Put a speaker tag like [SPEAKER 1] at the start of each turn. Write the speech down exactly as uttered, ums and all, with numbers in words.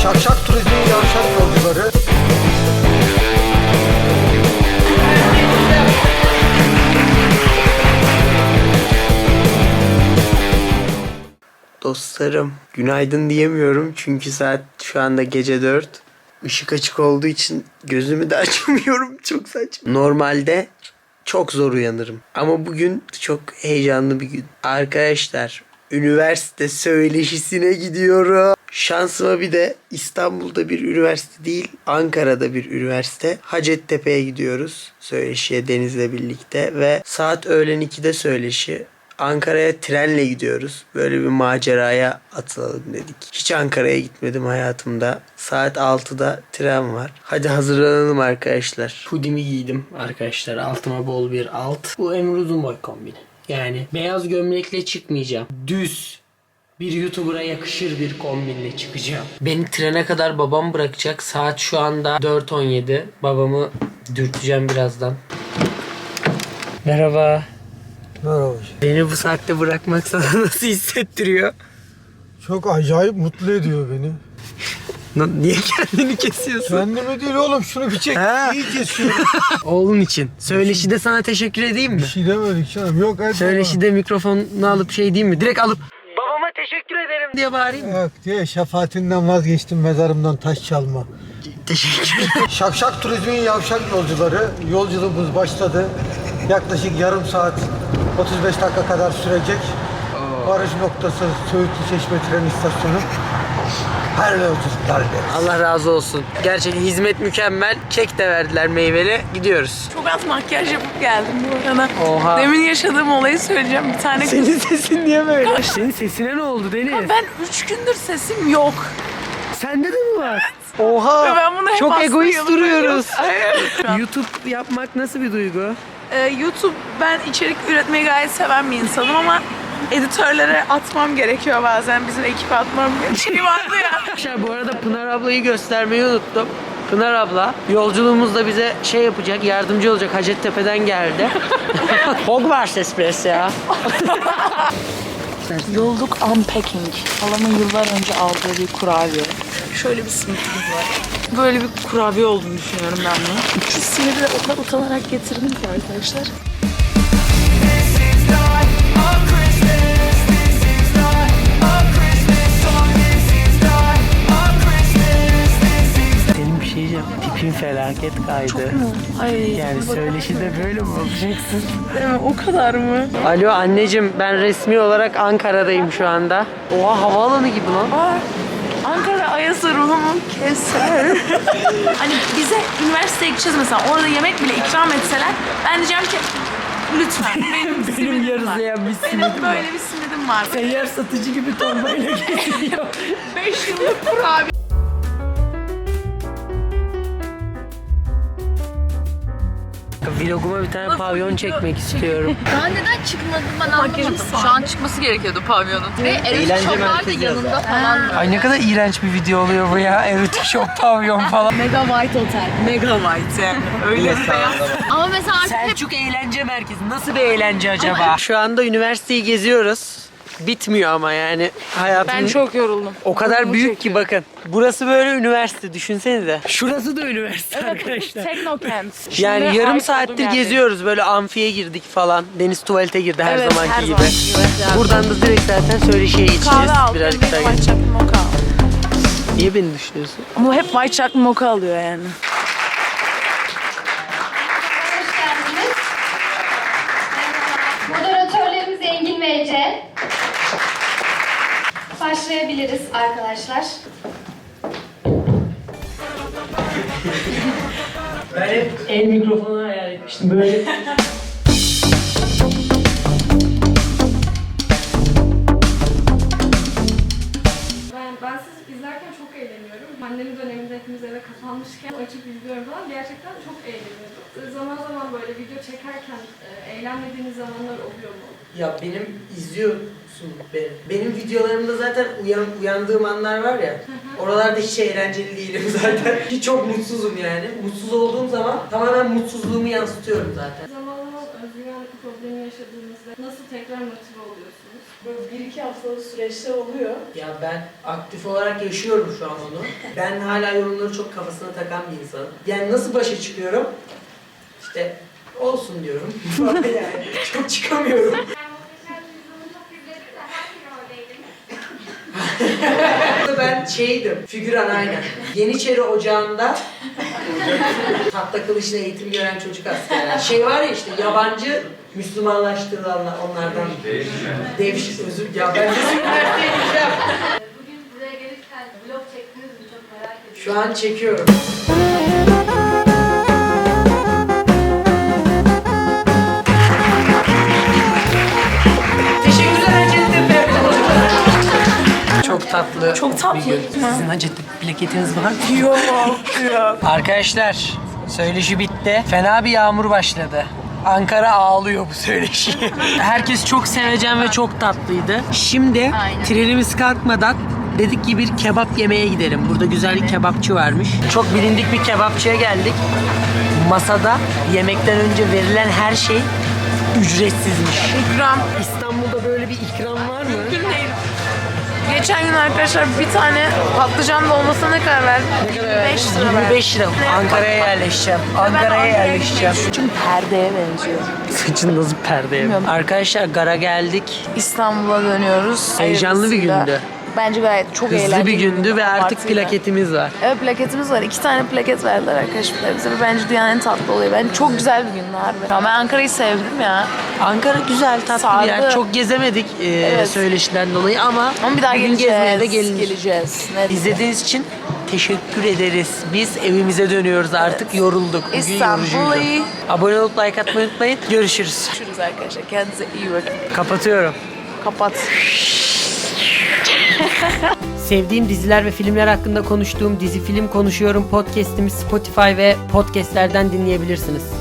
[SPEAKER 1] Şakşak Turizm'in yavşak yolcuları.
[SPEAKER 2] Dostlarım, günaydın diyemiyorum çünkü saat şu anda gece dört. Işık açık olduğu için gözümü de açamıyorum. Çok saçma. Normalde çok zor uyanırım. Ama bugün çok heyecanlı bir gün. Arkadaşlar, üniversite söyleşisine gidiyorum. Şansıma bir de İstanbul'da bir üniversite değil, Ankara'da bir üniversite. Hacettepe'ye gidiyoruz söyleşiye Deniz'le birlikte ve saat öğlen ikide söyleşi. Ankara'ya trenle gidiyoruz. Böyle bir maceraya atılalım dedik. Hiç Ankara'ya gitmedim hayatımda. Saat altıda tren var. Hadi hazırlanalım arkadaşlar. Hoodie'mi giydim arkadaşlar. Altıma bol bir alt. Bu Emre Uzunboy kombini. Yani beyaz gömlekle çıkmayacağım. Düz bir YouTuber'a yakışır bir kombinle çıkacağım. Beni trene kadar babam bırakacak. Saat şu anda dört on yedi. Babamı dürteceğim birazdan. Merhaba.
[SPEAKER 1] Merhaba.
[SPEAKER 2] Beni bu saatte bırakmak sana nasıl hissettiriyor?
[SPEAKER 1] Çok acayip mutlu ediyor beni.
[SPEAKER 2] Niye kendini kesiyorsun?
[SPEAKER 1] Kendimi değil oğlum, şunu bir çek.
[SPEAKER 2] Ha.
[SPEAKER 1] İyi kesiyorum.
[SPEAKER 2] Oğlun için. Söyleşide sana teşekkür edeyim mi?
[SPEAKER 1] Bir şey demedik canım. Yok hadi.
[SPEAKER 2] Söyleşide mikrofonunu alıp şey diyeyim mi? Direkt alıp babama teşekkür ederim diye bağırayım mı?
[SPEAKER 1] Yok diye şefaatinden vazgeçtim, mezarımdan taş çalma.
[SPEAKER 2] Teşekkür
[SPEAKER 1] Şakşak Turizm'in yavşak yolcuları. Yolculuğumuz başladı. Yaklaşık yarım saat otuz beş dakika kadar sürecek. Varış noktası Söğütlü Çeşme tren istasyonu. Her yolculuklar deriz.
[SPEAKER 2] Allah razı olsun. Gerçekten hizmet mükemmel. Kek de verdiler meyveli. Gidiyoruz.
[SPEAKER 3] Çok az makyaj yapıp geldim bu arada.
[SPEAKER 2] Oha.
[SPEAKER 3] Demin yaşadığım olayı söyleyeceğim. Bir tane
[SPEAKER 2] Senin sesin niye böyle? Senin sesine ne oldu Deniz?
[SPEAKER 3] ben üç gündür sesim yok.
[SPEAKER 2] Sende de mi var? Oha.
[SPEAKER 3] Ve ben bunu hep
[SPEAKER 2] Çok
[SPEAKER 3] aslında
[SPEAKER 2] egoist
[SPEAKER 3] yanımda
[SPEAKER 2] duruyoruz.
[SPEAKER 3] Hayır.
[SPEAKER 2] YouTube yapmak nasıl bir duygu?
[SPEAKER 3] Ee, YouTube, ben içerik üretmeyi gayet seven bir insanım ama editörlere atmam gerekiyor bazen. Bizim ekibe atmam gerekiyor. Şey vardı ya.
[SPEAKER 2] Arkadaşlar bu arada Pınar ablayı göstermeyi unuttum. Pınar abla yolculuğumuzda bize şey yapacak, yardımcı olacak. Hacettepe'den geldi. Hogwarts Express ya.
[SPEAKER 3] Yolluk Unpacking. Halamın yıllar önce aldığı bir kurabiye. Şöyle bir simitimiz var. Böyle bir kurabiye olduğunu düşünüyorum ben bunu. Şu simidi de o kadar utanarak getirdim ki arkadaşlar.
[SPEAKER 2] Senin bir şey diyeceğim. Tipin felaket kaydı.
[SPEAKER 3] Çok mu? Ay.
[SPEAKER 2] Yani söyleşide böyle mi olacaksın?
[SPEAKER 3] Değil mi? O kadar mı?
[SPEAKER 2] Alo anneciğim, ben resmi olarak Ankara'dayım şu anda. Oha, havaalanı gibi lan.
[SPEAKER 3] Aa, Ankara Ayasa ruhumun keser. Hani bize üniversiteye gideceğiz mesela, orada yemek bile ikram etseler ben diyeceğim ki lütfen benim,
[SPEAKER 2] Benim
[SPEAKER 3] simidim var.
[SPEAKER 2] yarılayan bir
[SPEAKER 3] Benim
[SPEAKER 2] simidim var.
[SPEAKER 3] böyle bir simidim var.
[SPEAKER 2] Seyyar satıcı gibi torbayla geziyor.
[SPEAKER 3] beş yıllık kurabiye.
[SPEAKER 2] Vloguma bir tane pavyon çekmek istiyorum.
[SPEAKER 4] Daha neden çıkmadı ben anlamadım. Şu an çıkması gerekiyordu pavyonun. Ve erotik shoplar da yanında falan.
[SPEAKER 2] Ay ne kadar iğrenç bir video oluyor bu ya. Erotik shop pavyon falan.
[SPEAKER 4] Mega White Hotel.
[SPEAKER 3] Mega white yani. Öyle bir beyaz.
[SPEAKER 4] Ama mesela artık hep
[SPEAKER 2] Selçuk Eğlence Merkezi. Nasıl bir eğlence acaba? Şu anda üniversiteyi geziyoruz. Bitmiyor ama yani hayatım
[SPEAKER 3] Ben çok yoruldum.
[SPEAKER 2] o kadar
[SPEAKER 3] Uykumu
[SPEAKER 2] büyük ki
[SPEAKER 3] çekiyor.
[SPEAKER 2] bakın. Burası böyle üniversite, düşünsenize. Şurası da üniversite arkadaşlar.
[SPEAKER 3] Teknokent.
[SPEAKER 2] Yani
[SPEAKER 3] Şimdi
[SPEAKER 2] yarım
[SPEAKER 3] ait
[SPEAKER 2] saattir
[SPEAKER 3] olduğum yerdeyim.
[SPEAKER 2] geziyoruz, böyle amfiye girdik falan. Deniz tuvalete girdi her
[SPEAKER 3] Evet,
[SPEAKER 2] zamanki
[SPEAKER 3] her
[SPEAKER 2] gibi.
[SPEAKER 3] zamanki gibi.
[SPEAKER 2] Buradan da direkt zaten söyleşiye geçeceğiz.
[SPEAKER 3] Kahve aldım.
[SPEAKER 2] Birazcık
[SPEAKER 3] Benim
[SPEAKER 2] daha
[SPEAKER 3] white
[SPEAKER 2] geçeceğiz.
[SPEAKER 3] chocolate mocha aldım.
[SPEAKER 2] Niye beni düşünüyorsun?
[SPEAKER 3] Ama hep white chocolate mocha alıyor yani.
[SPEAKER 5] Hoş geldiniz. Moderatörlerimiz Engin ve Ece. Başlayabiliriz arkadaşlar.
[SPEAKER 2] Ben hep el mikrofonu hayal etmiştim böyle.
[SPEAKER 6] Ben, ben sizi izlerken çok eğleniyorum. Pandemi döneminde hepimiz eve kapanmışken açıp izliyorum falan. Gerçekten çok eğleniyorum. Zaman zaman böyle video çekerken e, eğlenmediğiniz zamanlar oluyor mu?
[SPEAKER 2] Ya benim izliyorsun beni. Benim videolarımda zaten uyan, uyandığım anlar var ya. Oralarda hiç eğlenceli değilim zaten. Hiç çok mutsuzum yani. Mutsuz olduğum zaman tamamen mutsuzluğumu yansıtıyorum zaten.
[SPEAKER 6] Zaman zaman özgüven problemi yaşadığınızda nasıl tekrar motive oluyorsunuz?
[SPEAKER 3] böyle bir iki haftalık süreçler oluyor.
[SPEAKER 2] Ya ben aktif olarak yaşıyorum şu an onu. Ben hala yorumları çok kafasına takan bir insanım. Yani nasıl başa çıkıyorum? İşte olsun diyorum. Yani çok çıkamıyorum. Ben şeydim, figüran aynen. Yeniçeri Ocağı'nda tahta kılıçla eğitim gören çocuk askerler. Şey var ya işte yabancı Müslümanlaştırılanlar onlardan. Devşik özür ya ben nasıl üniversiteye gideceğim?
[SPEAKER 5] Bugün buraya gelirken vlog çektiniz mi çok merak ediyorum.
[SPEAKER 2] Şu an çekiyorum. Teşekkürler Hacettepe. Çok tatlı.
[SPEAKER 3] Çok tatlı.
[SPEAKER 2] bir gün. Sizin Hacettepe plaketiniz var mı?
[SPEAKER 3] Yok yok.
[SPEAKER 2] Arkadaşlar söyleşi bitti. Fena bir yağmur başladı. Ankara ağlıyor bu söyleşi. Herkes çok sevecen ve çok tatlıydı. Şimdi
[SPEAKER 4] Aynen.
[SPEAKER 2] trenimiz kalkmadan dedik ki bir kebap yemeye gidelim. Burada güzel bir kebapçı varmış. Çok bilindik bir kebapçıya geldik. Masada yemekten önce verilen her şey ücretsizmiş.
[SPEAKER 3] İkram.
[SPEAKER 2] İstanbul'da böyle bir ikram var mı?
[SPEAKER 3] Mümkün değil. Geçen gün arkadaşlar bir tane patlıcan dolmasına ne kadar verdim? yirmi beş lira verdim.
[SPEAKER 2] yirmi beş lira. Ankara'ya yerleşeceğim. Ankara'ya yerleşeceğim.
[SPEAKER 3] Saçım perdeye benziyor.
[SPEAKER 2] Saçın nasıl perdeye?
[SPEAKER 3] Bilmiyorum.
[SPEAKER 2] Arkadaşlar gara geldik.
[SPEAKER 3] İstanbul'a dönüyoruz.
[SPEAKER 2] Heyecanlı bir
[SPEAKER 3] Hayırlısıyla.
[SPEAKER 2] gündü.
[SPEAKER 3] Bence gayet çok eğlenceli.
[SPEAKER 2] Hızlı bir gündü ve artık
[SPEAKER 3] Abartıyla.
[SPEAKER 2] plaketimiz var.
[SPEAKER 3] Evet plaketimiz var. İki tane plaket verdiler arkadaşlar bize. Ve bence dünyanın en tatlı olayı. Bence çok güzel bir gündü harbi. Ya ben Ankara'yı sevdim ya.
[SPEAKER 2] Ankara güzel, tatlı bir yer.
[SPEAKER 3] Sardı.
[SPEAKER 2] Çok gezemedik e,
[SPEAKER 3] Evet.
[SPEAKER 2] söyleşiden dolayı ama,
[SPEAKER 3] Ama bir daha
[SPEAKER 2] gün
[SPEAKER 3] geleceğiz.
[SPEAKER 2] gezmeye de gelinir.
[SPEAKER 3] Geleceğiz. Net.
[SPEAKER 2] İzlediğiniz için teşekkür ederiz. Biz evimize dönüyoruz artık. Yorulduk. Bugün
[SPEAKER 3] İstanbul'u
[SPEAKER 2] yorucuydu. Abone olup like atmayı unutmayın. Görüşürüz.
[SPEAKER 3] Görüşürüz arkadaşlar. Kendinize iyi bakın.
[SPEAKER 2] Kapatıyorum.
[SPEAKER 3] Kapat.
[SPEAKER 2] Sevdiğim diziler ve filmler hakkında konuştuğum Dizi Film Konuşuyorum podcast'imi Spotify ve podcast'lerden dinleyebilirsiniz.